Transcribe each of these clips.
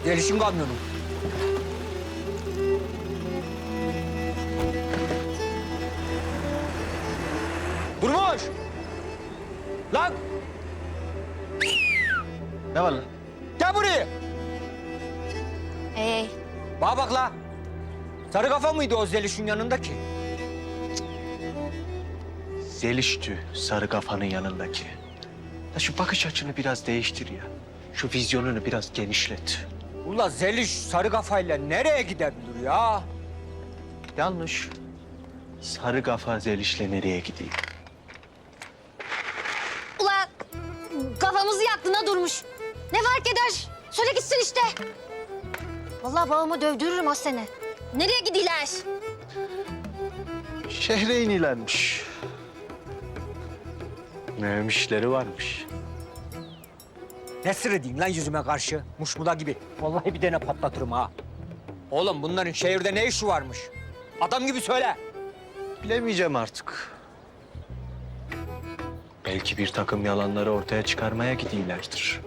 Gelişim kamyonu. Durmuş! Lan! Ne var lan? Gel buraya! Ee, Bana bak la! Sarı kafa mıydı o Zeliş'in yanındaki? Zeliş'tü sarı kafanın yanındaki. Ya şu bakış açını biraz değiştir ya. Şu vizyonunu biraz genişlet. Ula Zeliş sarı kafayla nereye gidebilir ya? Yanlış. Sarı kafa Zeliş'le nereye gideyim? ula kafamızı yaktığına durmuş. Ne fark eder? Söyle gitsin işte. Vallahi babamı dövdürürüm az sene. Nereye gidiyorlar? Şehre inilermiş. Mühim işleri varmış. Ne sırrı lan yüzüme karşı? Muşmuda gibi. Vallahi bir tane patlatırım ha. Oğlum bunların şehirde ne işi varmış? Adam gibi söyle. Bilemeyeceğim artık. Belki bir takım yalanları ortaya çıkarmaya gidiyorlardır.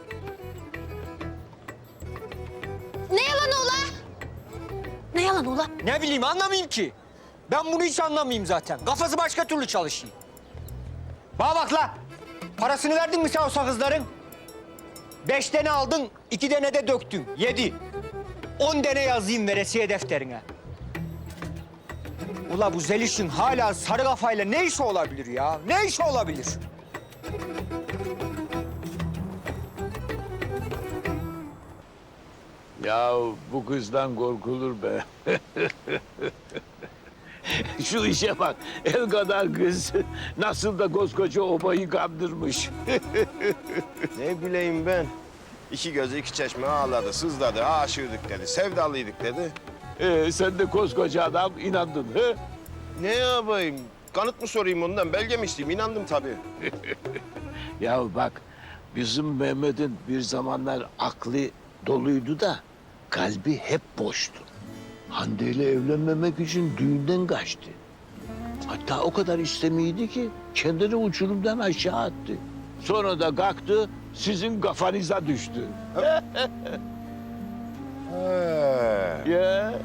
Ne yalanı ula? Ne yalanı ula? Ne bileyim anlamayayım ki. Ben bunu hiç anlamayayım zaten. Kafası başka türlü çalışıyor. Bana bak la. Parasını verdin mi sen o sakızların? 5 tane aldın, 2 tane de döktün. 7. 10 tane yazayım veresiye defterine. Ula bu Zeliş'in hala sarı kafayla ne işi olabilir ya? Ne işi olabilir? Ya bu kızdan korkulur be. Şu işe bak, el kadar kız nasıl da koskoca obayı kandırmış. Ne bileyim ben. İki gözü iki çeşme ağladı, sızladı, aşığıdık dedi, sevdalıydık dedi. Sen de koskoca adam inandın he? Ne yapayım? Kanıt mı sorayım ondan, belge mi isteyeyim? İnandım tabii. Ya bak, bizim Mehmet'in bir zamanlar aklı doluydu da kalbi hep boştu. Hande ile evlenmemek için düğünden kaçtı. Hatta o kadar istemiydi ki kendini uçurumdan aşağı attı. Sonra da kalktı, sizin kafanıza düştü. He. Ya.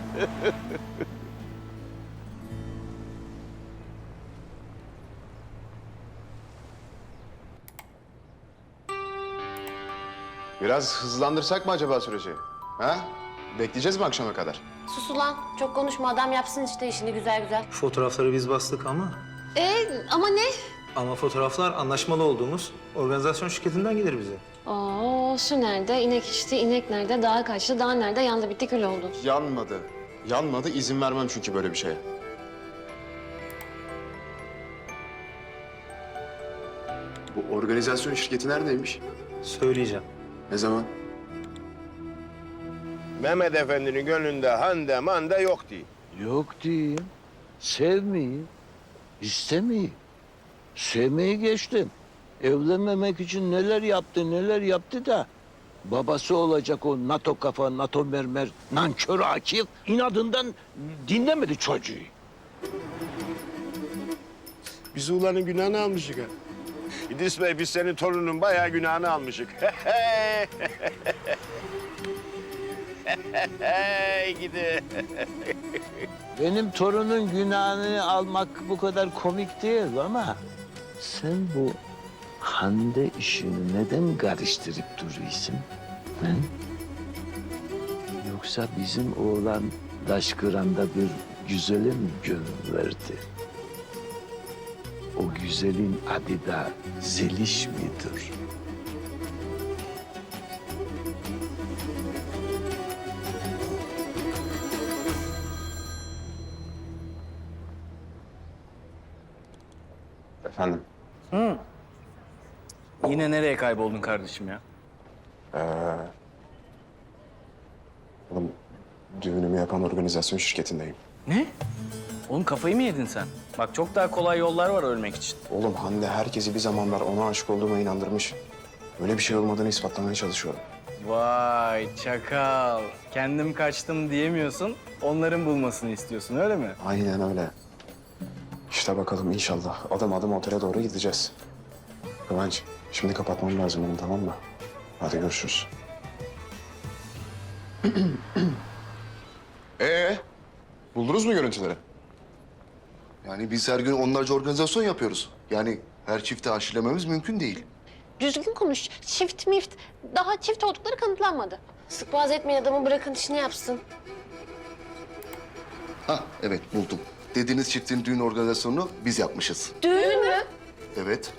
Biraz hızlandırsak mı acaba süreci? Ha? Bekleyeceğiz mi akşama kadar? Sus ulan. Çok konuşma. Adam yapsın işte işini güzel güzel. Fotoğrafları biz bastık ama Ama ne? fotoğraflar anlaşmalı olduğumuz organizasyon şirketinden gelir bize. Oo, su nerede? İnek içti. İnek nerede? Dağa kaçtı. Dağ nerede? Yandı bitti kül oldu. Yanmadı. Yanmadı. İzin vermem çünkü böyle bir şeye. Bu organizasyon şirketi neredeymiş? Söyleyeceğim. Ne zaman? Mehmet Efendi'nin gönlünde Hande mande yok diye. Yok diyeyim. Sevmeyi, istemeyi. Sevmeyi geçtim. Evlenmemek için neler yaptı da... babası olacak o NATO kafa, NATO mermer, nankör Akif inadından dinlemedi çocuğu. Biz ulanın günahını almışık ha. İdris Bey, biz senin torunun bayağı günahını almışık. Gidi. Benim torunun günahını almak bu kadar komik değil ama... sen bu Hande işini neden karıştırıp duruyorsun? He? Yoksa bizim oğlan Daşkıran'da bir güzele mi gönül verdi? O güzelin adı da Zeliş midir? Efendim? Yine nereye kayboldun kardeşim ya? Oğlum, düğünümü yapan organizasyon şirketindeyim. Ne? Oğlum kafayı mı yedin sen? Bak çok daha kolay yollar var ölmek için. Oğlum Hande herkesi bir zamanlar ona aşık olduğuma inandırmış. Öyle bir şey olmadığını ispatlamaya çalışıyorum. Vay çakal. Kendim kaçtım diyemiyorsun. Onların bulmasını istiyorsun öyle mi? Aynen öyle. İşte bakalım inşallah adım adım otele doğru gideceğiz. Kıvanç, şimdi kapatmam lazım benim, tamam mı? Hadi görüşürüz. Buldunuz mu görüntüleri? Yani biz her gün onlarca organizasyon yapıyoruz. Yani her çifti aşilememiz mümkün değil. Düzgün konuş. Çift mift. Daha çift oldukları kanıtlanmadı. Sık boğaz etmeyin adamı, bırakın işini yapsın. Ha evet buldum. Dediğiniz çiftin düğün organizasyonunu biz yapmışız. Düğün mü? Evet.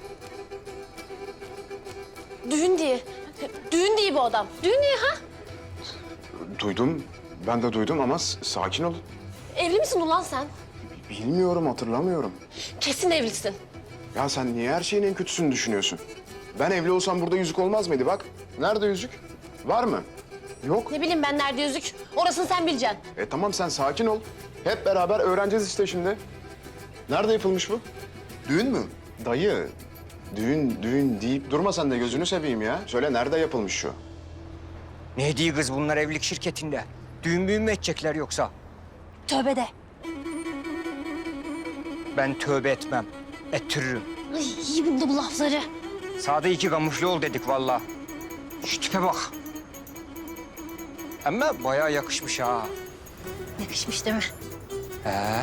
Düğün diye. Düğün diye bu adam. Düğün diye ha? Duydum. Ben de duydum ama sakin ol. Evli misin ulan sen? Bilmiyorum, hatırlamıyorum. Kesin evlisin. Ya sen niye her şeyin en kötüsünü düşünüyorsun? Ben evli olsam burada yüzük olmaz mıydı bak? Nerede yüzük? Var mı? Yok. Ne bileyim ben nerede yüzük? Orasını sen bileceksin. Tamam sen sakin ol. Hep beraber öğreneceğiz işte şimdi. Nerede yapılmış bu? Düğün mü? Dayı, düğün deyip durma sen de gözünü seveyim ya. Söyle nerede yapılmış şu? Ne diyor kız bunlar evlilik şirketinde? Düğün müğün mü edecekler yoksa? Tövbe de. Ben tövbe etmem. Ettiririm. Ay, iyi bunda bu lafları. Sağda iki kamufle ol dedik vallahi. Şu tipe bak. Ama bayağı yakışmış ha. Yakışmış değil mi? He.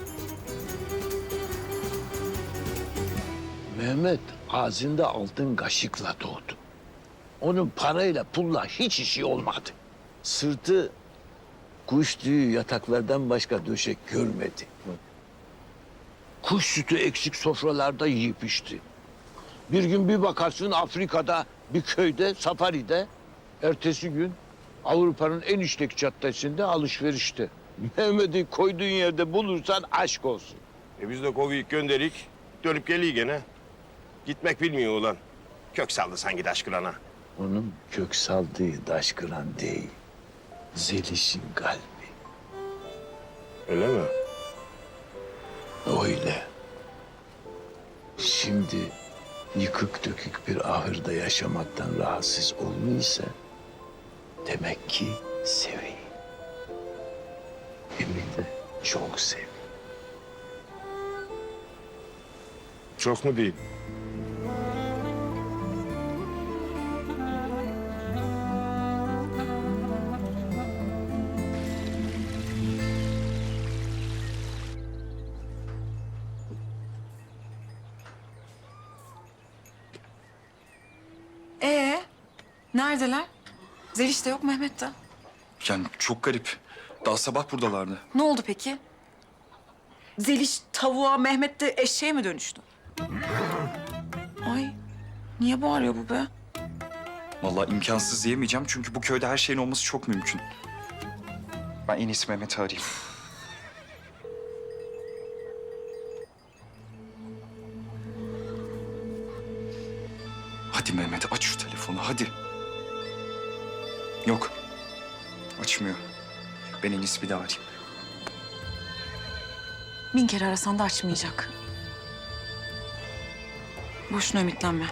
Mehmet ağzında altın kaşıkla doğdu. Onun parayla pulla hiç işi olmadı. Sırtı kuş tüyü yataklardan başka döşek görmedi. Kuş sütü eksik sofralarda yiyip içti. Bir gün bir bakarsın Afrika'da bir köyde, safaride. Ertesi gün Avrupa'nın en işlek caddesinde alışverişte. Mehmet'i koyduğun yerde bulursan aşk olsun. Biz de kovuyup gönderik. Dönüp geliyor gene. Gitmek bilmiyor ulan. Kök saldı sanki taş kırana. Onun kök saldığı daş kıran değil. Zeliş'in kalbi. Öyle mi? Öyle. Şimdi yıkık dökük bir ahırda yaşamaktan rahatsız olmuysa demek ki seviyor. Hem de çok seviyor. Çok mu değil? Neredeler? Zeliş de yok, Mehmet de. Yani çok garip. Daha sabah buradalardı. Ne oldu peki? Zeliş tavuğa, Mehmet de eşeğe mi dönüştü? Ay, niye bağırıyor bu be? Vallahi imkansız diyemeyeceğim çünkü bu köyde her şeyin olması çok mümkün. Ben en iyisi Mehmet'i arayayım. Hadi Mehmet aç şu telefonu hadi. Yok. Açmıyor. Ben en iyisi bir daha arayayım. Bin kere arasan da açmayacak. Boşuna ümitlenme.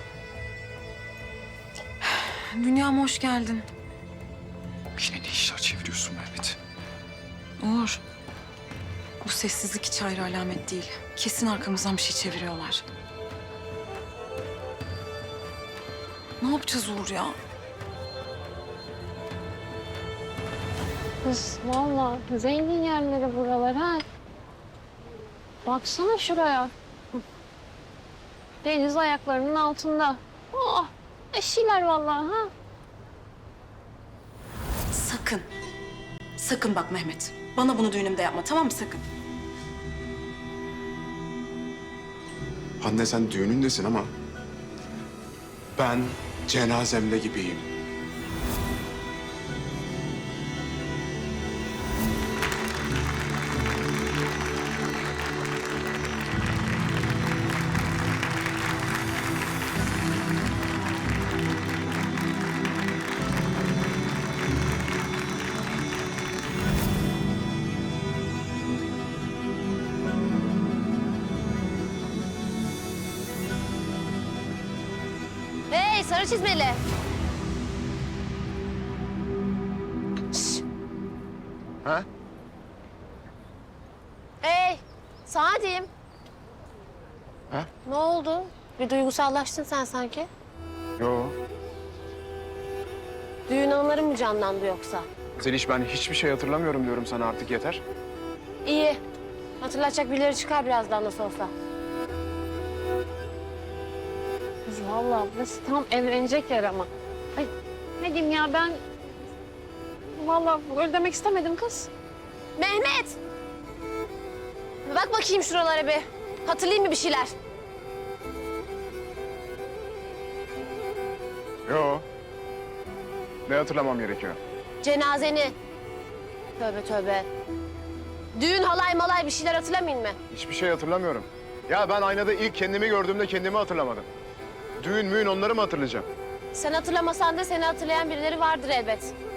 Dünyama hoş geldin. Yine ne işler çeviriyorsun Mehmet? Uğur, bu sessizlik hiç hayır alamet değil. Kesin arkamızdan bir şey çeviriyorlar. Ne yapacağız Uğur ya? Kız vallahi zengin yerleri buralar ha. Baksana şuraya. Hı. Deniz ayaklarının altında. Oh, eşiler vallahi ha. Sakın. Sakın bak Mehmet. Bana bunu düğünümde yapma, tamam mı, sakın? Hande sen düğünündesin ama ben cenazemde gibiyim. Hey sarı çizmeli. Ha? Hey, sana diyeyim. Ha? Ne oldu? Bir duygusallaştın sen sanki. Yo. Düğün anıları mı canlandı yoksa? Zeliş ben hiçbir şey hatırlamıyorum diyorum sana artık yeter. İyi. Hatırlatacak birileri çıkar birazdan nasıl olsa. Kız vallahi burası tam evlenecek yer ama. Ay ne diyeyim ya ben... Vallahi öyle demek istemedim kız. Mehmet! Bak bakayım şuralara bir. Hatırlayayım mı bir şeyler? Yo. Ne hatırlamam gerekiyor? Cenazeni. Tövbe tövbe. Düğün halay malay bir şeyler hatırlamayın mı? Hiçbir şey hatırlamıyorum. Ya ben aynada ilk kendimi gördüğümde kendimi hatırlamadım. Düğün müğün onları mı hatırlayacağım? Sen hatırlamasan da seni hatırlayan birileri vardır elbet.